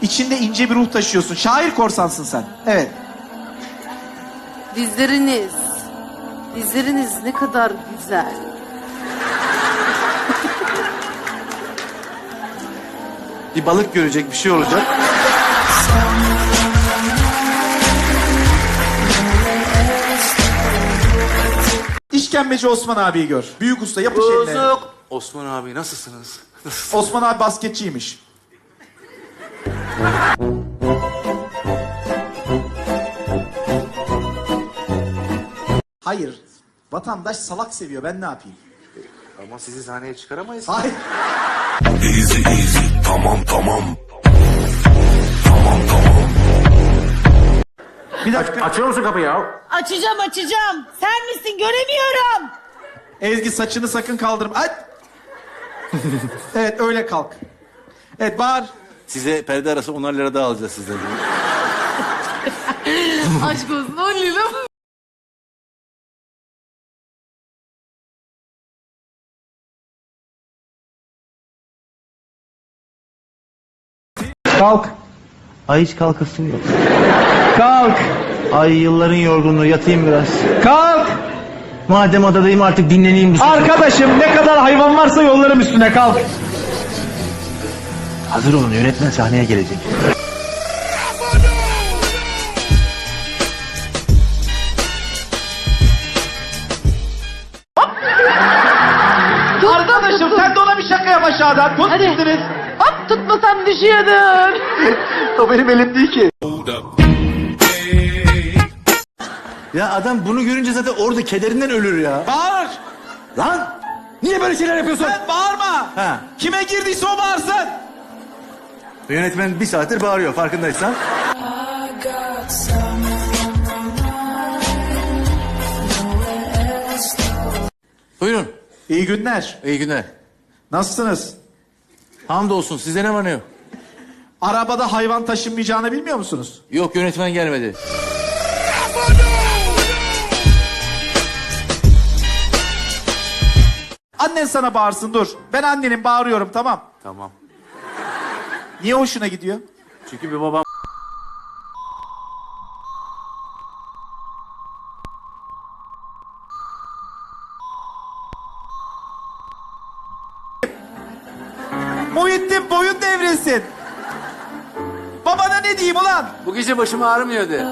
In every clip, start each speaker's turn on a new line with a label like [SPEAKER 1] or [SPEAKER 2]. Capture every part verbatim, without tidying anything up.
[SPEAKER 1] İçinde ince bir ruh taşıyorsun. Şair korsansın sen. Evet.
[SPEAKER 2] Dizleriniz. Dizleriniz ne kadar güzel.
[SPEAKER 3] Bir balık görecek, bir şey olacak.
[SPEAKER 1] İşkembeci Osman abiyi gör. Büyük usta, yapış eline.
[SPEAKER 3] Bozuk. Osman abi nasılsınız?
[SPEAKER 1] Osman abi basketçiymiş. Hayır. Vatandaş salak seviyor. Ben ne yapayım?
[SPEAKER 3] Ama sizi sahneye çıkaramayız.
[SPEAKER 1] Hayır.
[SPEAKER 4] Easy easy tamam tamam. Tamam tamam.
[SPEAKER 1] Bir dakika.
[SPEAKER 3] Açıyor musun kapıyı ya?
[SPEAKER 5] Açacağım açacağım. Sen misin göremiyorum.
[SPEAKER 1] Ezgi saçını sakın kaldırma. Ay! Evet öyle kalk. Evet bağır.
[SPEAKER 3] Size perde arası onar lira daha alacağız sizden.
[SPEAKER 2] Aşk olsun on lira.
[SPEAKER 6] Kalk.
[SPEAKER 7] Ay hiç kalkasın yok.
[SPEAKER 6] Kalk.
[SPEAKER 7] Ay yılların yorgunluğu yatayım biraz.
[SPEAKER 6] Kalk.
[SPEAKER 7] Madem adadayım artık dinleneyim. Bu
[SPEAKER 6] Arkadaşım ne kadar hayvan varsa yollarım üstüne kalk.
[SPEAKER 7] Hazır olun yönetmen sahneye gelecek.
[SPEAKER 6] Arkadaşım sen de ona bir şaka yap aşağıdan. Tut
[SPEAKER 2] Hadi.
[SPEAKER 6] gittiniz.
[SPEAKER 2] Hop tutmasam düşüyordun.
[SPEAKER 6] O benim elim değil ki.
[SPEAKER 3] Ya adam bunu görünce zaten orada kederinden ölür ya.
[SPEAKER 1] Bağır.
[SPEAKER 3] Lan! Niye böyle şeyler yapıyorsun?
[SPEAKER 1] Sen bağırma.
[SPEAKER 3] Ha.
[SPEAKER 1] Kime girdiyse o bağırsın.
[SPEAKER 3] Yönetmen bir saattir bağırıyor farkındaysan. Buyurun.
[SPEAKER 1] İyi günler.
[SPEAKER 3] İyi günler.
[SPEAKER 1] Nasılsınız?
[SPEAKER 3] Hamdolsun. Size ne var ne yok?
[SPEAKER 1] Arabada hayvan taşınmayacağını bilmiyor musunuz?
[SPEAKER 3] Yok yönetmen gelmedi.
[SPEAKER 1] Annen sana bağırsın dur. Ben annenin bağırıyorum tamam.
[SPEAKER 3] Tamam.
[SPEAKER 1] Niye hoşuna gidiyor?
[SPEAKER 3] Çünkü bir babam...
[SPEAKER 1] Muhittin boyun devrilsin. Babana ne diyeyim ulan?
[SPEAKER 3] Bu gece başım ağrımıyor de.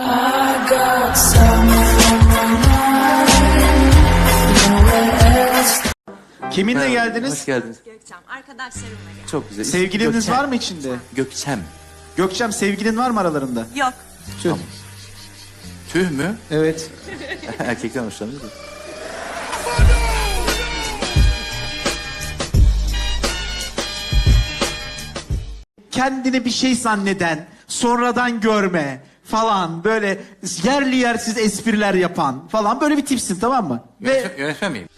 [SPEAKER 1] Kiminle
[SPEAKER 3] Hoş
[SPEAKER 1] geldiniz?
[SPEAKER 3] geldiniz.
[SPEAKER 8] Gökçem, arkadaşlarımla gel.
[SPEAKER 3] Çok güzel.
[SPEAKER 1] Sevgiliniz
[SPEAKER 3] Gökçem.
[SPEAKER 1] var mı içinde?
[SPEAKER 3] Gökçem.
[SPEAKER 1] Gökçem sevgilin var mı aralarında?
[SPEAKER 8] Yok.
[SPEAKER 1] Tüh.
[SPEAKER 3] Tüh mü?
[SPEAKER 1] Evet.
[SPEAKER 3] Erkekten hoşlanıyor da.
[SPEAKER 1] Kendini bir şey zanneden, sonradan görme falan böyle yerli yersiz espriler yapan falan böyle bir tipsin tamam mı?
[SPEAKER 3] Yönetmen,
[SPEAKER 1] Ve
[SPEAKER 3] yönetmen miyim?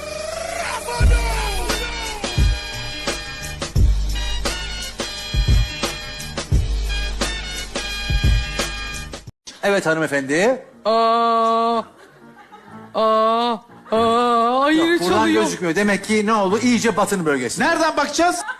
[SPEAKER 3] Evet hanımefendi.
[SPEAKER 2] Aa. Aa. Aa. Ay yine
[SPEAKER 3] Buradan
[SPEAKER 2] çalıyor.
[SPEAKER 3] gözükmüyor. Demek ki ne oldu? İyice batın bölgesi.
[SPEAKER 1] nereden bakacağız?